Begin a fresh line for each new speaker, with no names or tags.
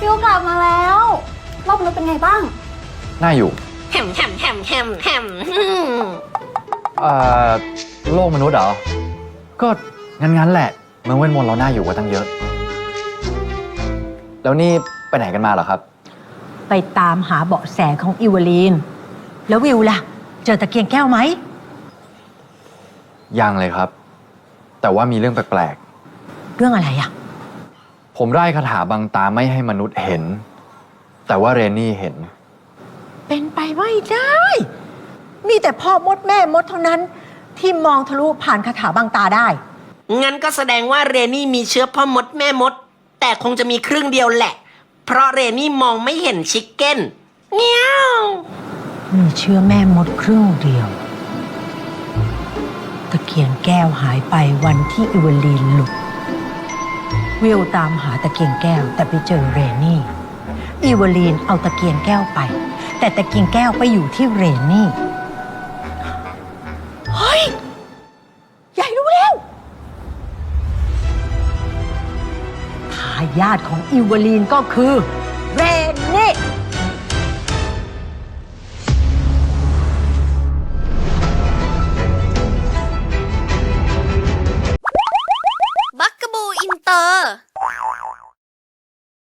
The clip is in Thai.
วิวกลับมาแล้วรอบนู้นเป็นไงบ้าง
น่าอยู่
แฮมแฮมแฮมแฮมแฮม
โลกมนุษย์เหรอก็งั้นแหละเมืองเวทมนต์เราน่าอยู่กว่าตั้งเยอะแล้วนี่ไปไหนกันมาเหรอครับ
ไปตามหาเบาะแสของอิวลีนแล้ววิวล่ะเจอตะเกียงแก้วไหม
ยังเลยครับแต่ว่ามีเรื่องแปลก
เรื่องอะไรอ่ะ
ผมไล่คาถาบังตาไม่ให้มนุษย์เห็นแต่ว่าเรนนี่เห็น
เป็นไปไม่ได้มีแต่พ่อมดแม่มดเท่านั้นที่มองทะลุผ่านคาถาบังตาได้
งั้นก็แสดงว่าเรนี่มีเชื้อพ่อมดแม่มดแต่คงจะมีครึ่งเดียวแหละเพราะเรนี่มองไม่เห็นชิคเก้นเงี้ยว
มีเชื้อแม่มดครึ่งเดียวตะเกียงแก้วหายไปวันที่อิวลีนหลุดวิวตามหาตะเกียงแก้วแต่ไปเจอเรนี่อิวลีนเอาตะเกียงแก้วไปแต่ตะเกียงแก้วไปอยู่ที่เรนี่เฮ้ยใหญ่รู้แล้วทายาทของอิวลีนก็คือเรนนี่